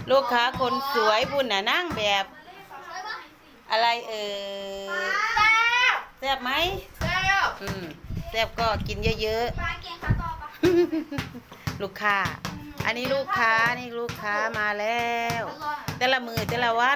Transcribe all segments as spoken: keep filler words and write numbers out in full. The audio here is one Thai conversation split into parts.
ลูกค้าคนสวยบุญน่ะนั่งแบบอะไรเออแซ่บไหมอืมแซ่บก็กินเยอะๆลูกค้าอันนี้ลูกค้านี่ลูกค้ามาแล้วแต่ละมือแต่ละวัน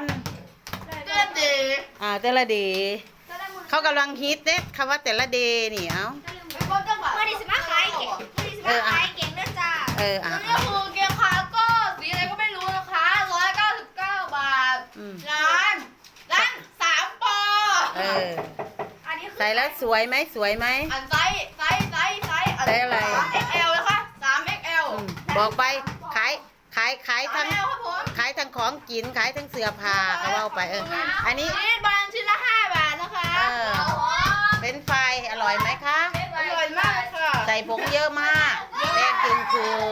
อ่าแต่ละเดย์เขากำลังฮิตเด้คำว่าแต่ละเดย์นี่เอ้ามาดิสมาขายเก่งมาดิสมาขายเก่งนะจ้าเอออ่ะนี่คือเกียร์ขาก็สีอะไรก็ไม่รู้นะคะร้อยเก้าสิบเก้าบาทร้านร้านสามปอเออใส่แล้วสวยไหมสวยไหมอันไซส์ไซส์ไซส์ไซส์ไซส์อะไรเอ็กซ์แอลนะคะสามเอ็กซ์แอลบอกไปขายขายขายทั้งขายทั้งของกินขายทั้งเสื้อผ้าก็ว่าไปเอออันนี้ชิ้นบานชิ้นละห้าบาทนะคะเออเป็นไฟอร่อยไหมคะอร่อยมากค่ะใส่ผงเยอะมากแดงจึงคืง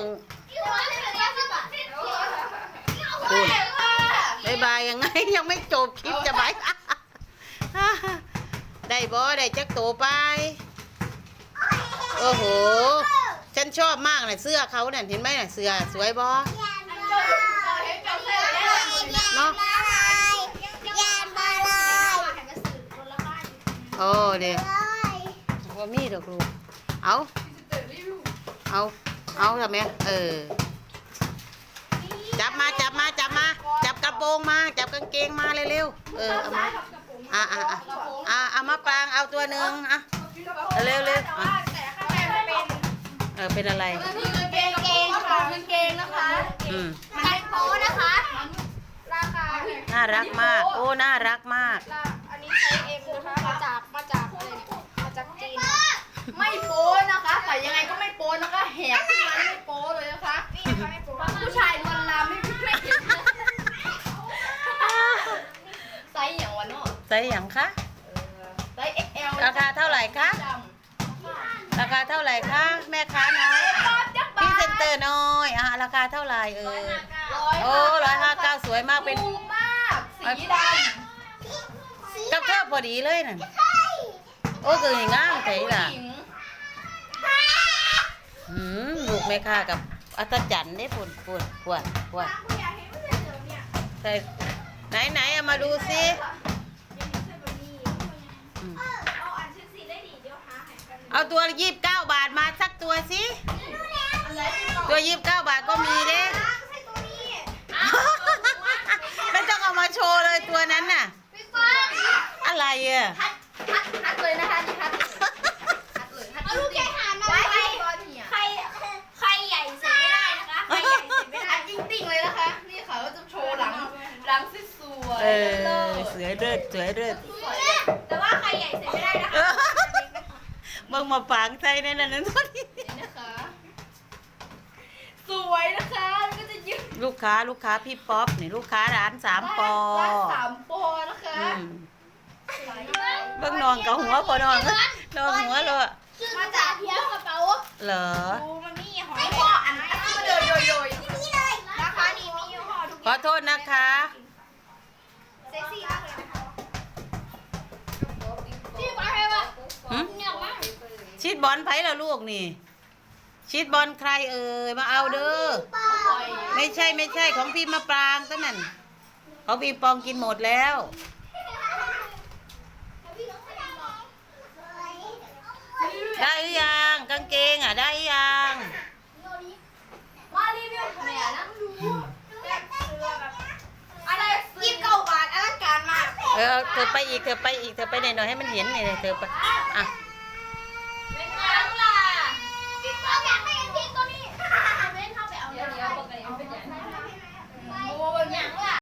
คุณบายบายยังไงยังไม่จบคลิปจะไปได้บอได้จักโตไปโอ้โหฉันชอบมากเลยเสื้อเขาเนี่ยเห็นไหมเนี่ยเสื้อสวยบอเนาะโอ้เดี๋ยวว่ามีดอกลูกเอาเอาเอาทำไมเออจับมาจับมาจับมาจับกระโปรงมาจับกางเกงมาเร็วๆเออเอามาอ่ะอ่ะอ่ะอ่ะเอามาปรางเอาตัวหนึ่งอ่ะเร็วเร็วอ่ะเออเป็นอะไรกางเกงกางเกงนะคะอืมมันโป๊นะคะราคาน่ารักมากโอ้น่ารักมากอันนี้ไซส์เอ็มนะคะมาจากมาจากอะไรมาจากจีนไม่โป๊นะคะใส่ยังไงก็ไม่โป๊นะคะแหกขึ้นมาไม่โป๊เลยนะคะผู้ชายลวนลามไม่ไม่เห็นไซส์อย่างวันเนาะไซส์อย่างคะไซส์ เอ็กซ์ แอลราคาเท่าไหร่คะราคาเท่าไหร่คะแม่ค้าน้อยพี่เซนเตอร์น้อยอ่ะราคาเท่าไหร่เออโอ้ร้อยห้าเก้าสวยมากเป็นมากสีดำกับเท่าพอดีเลยน่ะโอ้คือง่ามใจล่ะหืมลูกแม่ค้ากับอัศจรรย์ได้ปวดปวดปวดปวดใส่ไหนไหนเอามาดูสิเอาตัวยี่สิบเก้าบาทมาสักตัวสิตัวยี่สิบเก้าบาทก็มีเด้ไม่ต้องเอามาโชว์เลยตัวนั้นน่ะอะไรอ่ะทัดทัดเลยนะคะนี่ทัดทัดเลยทัดเอาลูกแกหามาใครใครใครใหญ่เสร็จไม่ได้นะคะใครใหญ่เสร็จไม่ได้จริงติ่งเลยนะคะนี่ค่ะก็จะโชว์หลังหลังสวยเออสวยเลิศสวยเลิศแต่ว่าใครใหญ่เสร็จไม่ได้นะคะมึงมาฝังใจในนั้นนั่นนี่นะคะสวยนะคะก็จะยืดลูกค้าลูกค้าพี่ป๊อปนี่ลูกค้าร้านสามปอร้านสามปอนะคะเบิ่งนอนกับหัวพอนอนนอนหัวเลยมาจากเพี้ยกระเป๋าเหรอดูมันมีหอยพ่ออันนี้โยโยโยนี่เลยนะคะนี่มีห่อทุกขอโทษนะคะเซ็กซี่มากเลยพี่บอลใครวะเนี่ยมั้งชีดบอลไผ่ละลูกนี่ชีดบอลใครเอ่ยมาเอาเด้อไม่ใช่ไม่ใช่ของพี่มะปรางตั้งนั่นของพี่ปองกินหมดแล้วได้หรือยังกางเกงอ่ะได้ยังมารีวิวเนี่ยนั่งดูอะไรยี่สิบเก้าบาทอลังการมากเออเธอไปอีกเธอไปอีกเธอไปหน่อยให้มันเห็นหน่อยเธอไปอ่ะเป็นไงล่ะพี่ปองอยากได้